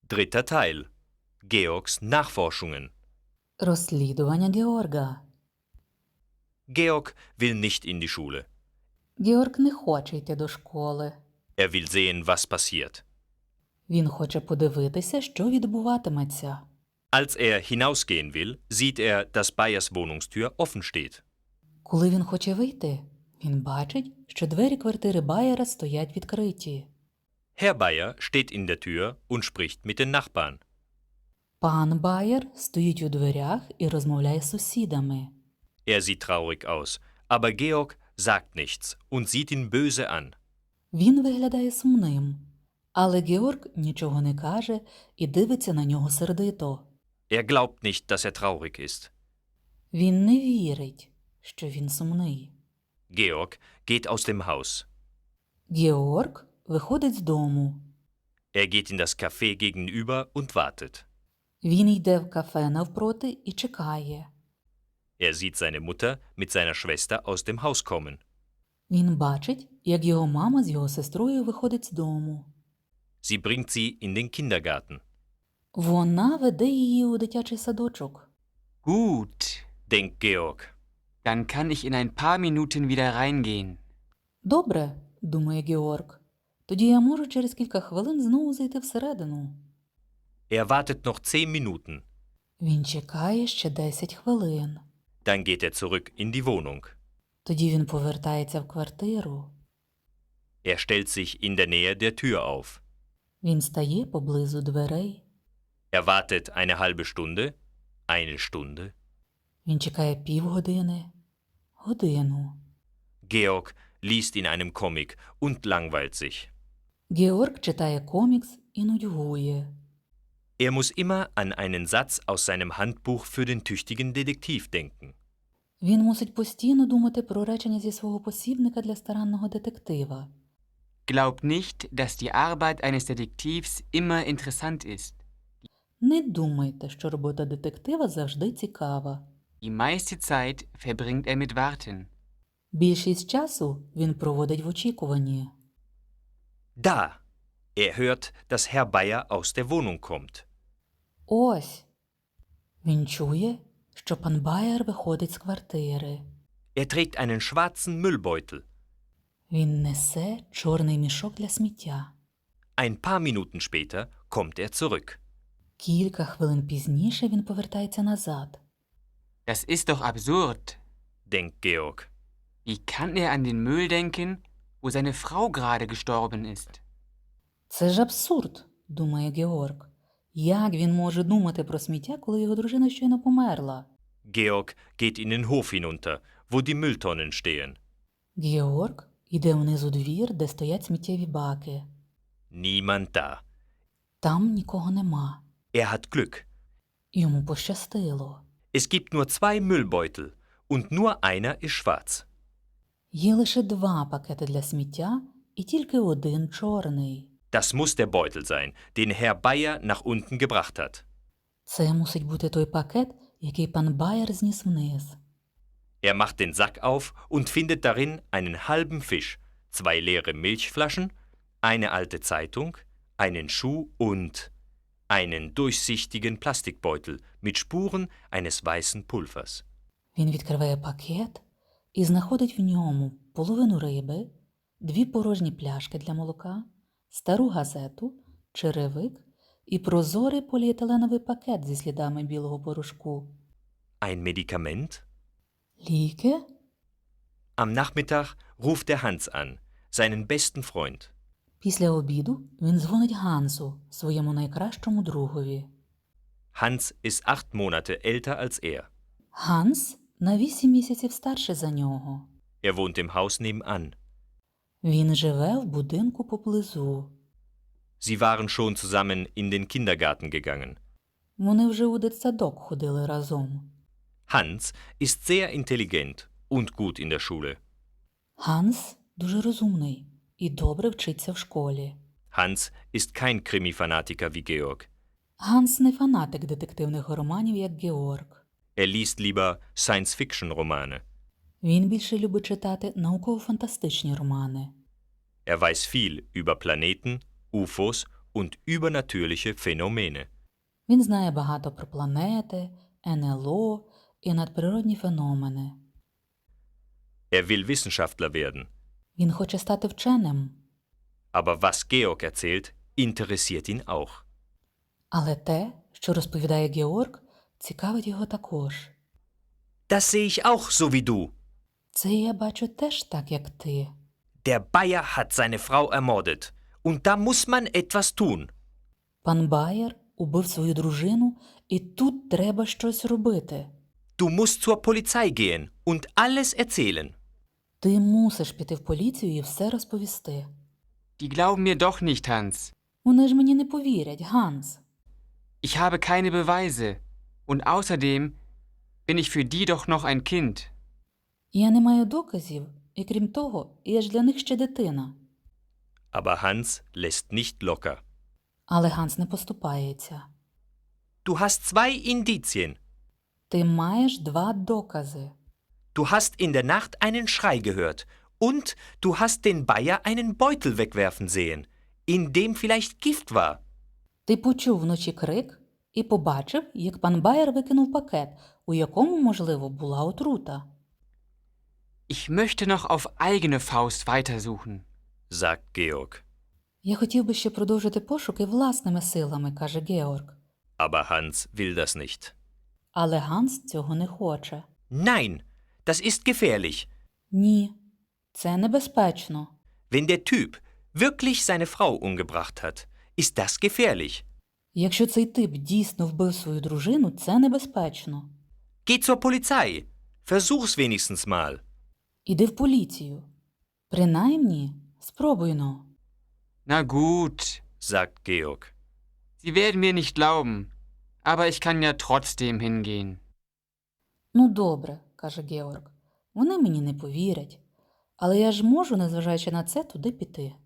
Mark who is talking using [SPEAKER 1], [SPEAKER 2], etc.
[SPEAKER 1] Dritter Teil. Georgs Nachforschungen.
[SPEAKER 2] Розслідування Георга.
[SPEAKER 1] Georg will nicht in die Schule.
[SPEAKER 2] Георг не хоче йти до школи.
[SPEAKER 1] Er will sehen, was passiert.
[SPEAKER 2] Він хоче подивитися, що відбуватиметься.
[SPEAKER 1] Als er hinausgehen will, sieht er, dass Bayers Wohnungstür offen steht.
[SPEAKER 2] Коли він хоче вийти, він бачить, що двері квартири Байера стоять відкриті.
[SPEAKER 1] Herr Bayer steht in der Tür und spricht mit den Nachbarn.
[SPEAKER 2] Пан Байер стоїть у дверях і розмовляє з сусідами.
[SPEAKER 1] Er sieht traurig aus, aber Georg sagt nichts und sieht ihn böse an.
[SPEAKER 2] Він виглядає сумним, але Георг нічого не каже і дивиться на нього сердито.
[SPEAKER 1] Er glaubt nicht, dass er traurig ist.
[SPEAKER 2] Він не вірить, що він сумний.
[SPEAKER 1] Georg geht aus dem Haus.
[SPEAKER 2] Георг виходить з дому.
[SPEAKER 1] Er geht in das Café gegenüber und wartet.
[SPEAKER 2] Він йде в кафе навпроти і чекає.
[SPEAKER 1] Er sieht seine Mutter mit seiner Schwester aus dem Haus kommen.
[SPEAKER 2] Він бачить, як його мама з його сестрою виходить з дому.
[SPEAKER 1] Sie bringt sie in den Kindergarten.
[SPEAKER 2] Вона веде її у дитячий садочок.
[SPEAKER 3] Gut,
[SPEAKER 1] Denkt Georg.
[SPEAKER 3] dann kann ich in ein paar Minuten wieder reingehen.
[SPEAKER 2] Добре, думає Георг. Тоді я можу через кілька хвилин знову зайти всередину.
[SPEAKER 1] Er wartet noch 10 Minuten.
[SPEAKER 2] Він чекає ще 10 хвилин.
[SPEAKER 1] Dann geht er zurück in die Wohnung.
[SPEAKER 2] Тоді він повертається в квартиру.
[SPEAKER 1] Er stellt sich in der Nähe der Tür auf.
[SPEAKER 2] Він стає поблизу дверей.
[SPEAKER 1] Er wartet eine halbe Stunde, eine Stunde.
[SPEAKER 2] Він чекає півгодини, годину.
[SPEAKER 1] Georg liest in einem Comic und langweilt sich.
[SPEAKER 2] Георг читає комікс і нудьгує.
[SPEAKER 1] Er muss immer an einen Satz aus seinem Handbuch für den tüchtigen Detektiv denken.
[SPEAKER 2] Він мусить постійно думати про речення зі свого посібника для старанного детектива.
[SPEAKER 3] Glaub nicht, dass die Arbeit eines Detektivs immer interessant ist.
[SPEAKER 2] Не думайте, що робота детектива завжди цікава.
[SPEAKER 3] Die meiste Zeit verbringt er mit Warten.
[SPEAKER 2] Більшість часу він проводить в очікуванні.
[SPEAKER 1] Da! Er hört, dass Herr Bayer aus der Wohnung kommt.
[SPEAKER 2] Ось. Він чує, що пан Байер виходить з квартири.
[SPEAKER 1] Er trägt einen schwarzen Müllbeutel.
[SPEAKER 2] Він несе чорний мішок для сміття.
[SPEAKER 1] Ein paar Minuten später kommt er zurück.
[SPEAKER 2] Кілька хвилин пізніше він повертається назад.
[SPEAKER 3] Das ist doch absurd.
[SPEAKER 1] Denkt Georg.
[SPEAKER 3] Wie kann er an den Müll denken, wo seine Frau gerade gestorben ist?
[SPEAKER 2] Це ж абсурд, думає Георг. Як він може думати про сміття, коли його дружина щойно померла?
[SPEAKER 1] Georg geht in den Hof hinunter, wo die Mülltonnen stehen.
[SPEAKER 2] Георг йде вниз у двір, де стоять сміттєві баки.
[SPEAKER 1] Niemand da.
[SPEAKER 2] Там нікого нема.
[SPEAKER 1] Er hat Glück.
[SPEAKER 2] Йому пощастило.
[SPEAKER 1] Es gibt nur 2 Müllbeutel und nur einer ist schwarz.
[SPEAKER 2] Є лише 2 пакети для сміття і тільки один чорний.
[SPEAKER 1] Das muss der Beutel sein, den Herr Bayer nach unten gebracht hat.
[SPEAKER 2] Це мусить бути той пакет, який пан Байер зніс вниз.
[SPEAKER 1] Er macht den Sack auf und findet darin einen halben Fisch, 2 leere Milchflaschen, eine alte Zeitung, einen Schuh und einen durchsichtigen Plastikbeutel mit Spuren eines weißen Pulvers.
[SPEAKER 2] Він відкриває пакет і знаходить в ньому половину риби, 2 порожні пляшки для молока, стару газету, черевик і прозорий поліетиленовий пакет зі слідами білого порошку.
[SPEAKER 1] Ein Medikament?
[SPEAKER 2] Ліки?
[SPEAKER 1] Am Nachmittag ruft er Hans an, seinen besten Freund.
[SPEAKER 2] Після обіду він дзвонить Гансу, своєму найкращому другові.
[SPEAKER 1] Hans ist 8 Monate älter als er.
[SPEAKER 2] Ганс на 8 місяців старший за нього.
[SPEAKER 1] Er wohnt im Haus nebenan.
[SPEAKER 2] Він живе в будинку поблизу.
[SPEAKER 1] Sie waren schon zusammen in den Kindergarten gegangen.
[SPEAKER 2] Вони вже у дитсадок ходили разом.
[SPEAKER 1] Hans ist sehr intelligent und gut in der Schule.
[SPEAKER 2] Ганс дуже розумний і добре вчиться в школі.
[SPEAKER 1] Hans ist kein Krimi-Fanatiker wie Georg.
[SPEAKER 2] Ганс не фанатик детективних романів, як Георг.
[SPEAKER 1] Er liest lieber Science-Fiction-Romane.
[SPEAKER 2] Він більше любить читати науково-фантастичні романи.
[SPEAKER 1] Er weiß viel über Planeten, UFOs und übernatürliche Phänomene.
[SPEAKER 2] Він знає багато про планети, НЛО і надприродні феномени.
[SPEAKER 1] Will Wissenschaftler werden.
[SPEAKER 2] Він хоче стати вченим.
[SPEAKER 1] Aber was Georg erzählt, interessiert ihn auch.
[SPEAKER 2] Але те, що розповідає Георг, цікавить його також.
[SPEAKER 1] Das sehe ich auch so wie du.
[SPEAKER 2] Це я бачу теж так, як ти.
[SPEAKER 1] Der Bayer hat seine Frau ermordet. Und da muss man etwas tun.
[SPEAKER 2] Пан Байер убив свою дружину, і тут треба щось робити.
[SPEAKER 1] Du musst zur Polizei gehen und alles erzählen.
[SPEAKER 2] Ти мусиш піти в поліцію і все розповісти.
[SPEAKER 3] Die glauben mir doch nicht, Hans.
[SPEAKER 2] Вони ж мені не повірять, Ганс.
[SPEAKER 3] Ich habe keine Beweise. Und außerdem bin ich für die doch noch ein Kind.
[SPEAKER 2] Я не маю доказів, і крім того, я ж для них ще дитина.
[SPEAKER 1] Aber Hans lässt nicht locker.
[SPEAKER 2] Але Ганс не поступається.
[SPEAKER 1] Du hast 2 Indizien.
[SPEAKER 2] Ти маєш 2 докази.
[SPEAKER 1] Du hast in der Nacht einen Schrei gehört. Und du hast den Bayer einen Beutel wegwerfen sehen, in dem vielleicht Gift war.
[SPEAKER 2] Ти почув вночі крик і побачив, як пан Байер викинув пакет, у якому, можливо, була отрута.
[SPEAKER 3] Ich möchte noch auf eigene Faust weitersuchen.
[SPEAKER 1] Sagt Georg.
[SPEAKER 2] Я хотів би ще продовжити пошуки власними силами, каже Георг.
[SPEAKER 1] Aber Hans will das nicht.
[SPEAKER 2] Але Ганс цього не хоче.
[SPEAKER 1] Nein, das ist gefährlich.
[SPEAKER 2] Ні, це небезпечно.
[SPEAKER 1] Wenn der Typ wirklich seine Frau umgebracht hat, ist das gefährlich.
[SPEAKER 2] Якщо цей тип дійсно вбив свою дружину, це небезпечно.
[SPEAKER 1] Geh zur Polizei. Versuch's wenigstens mal.
[SPEAKER 2] Іди в поліцію. Принаймні, спробуйно.
[SPEAKER 3] Na gut,
[SPEAKER 1] Sagt Georg.
[SPEAKER 3] Sie werden mir nicht glauben, aber ich kann ja trotzdem hingehen.
[SPEAKER 2] Ну добре, каже Георг. Вони мені не повірять. Але я ж можу, незважаючи на це, туди піти.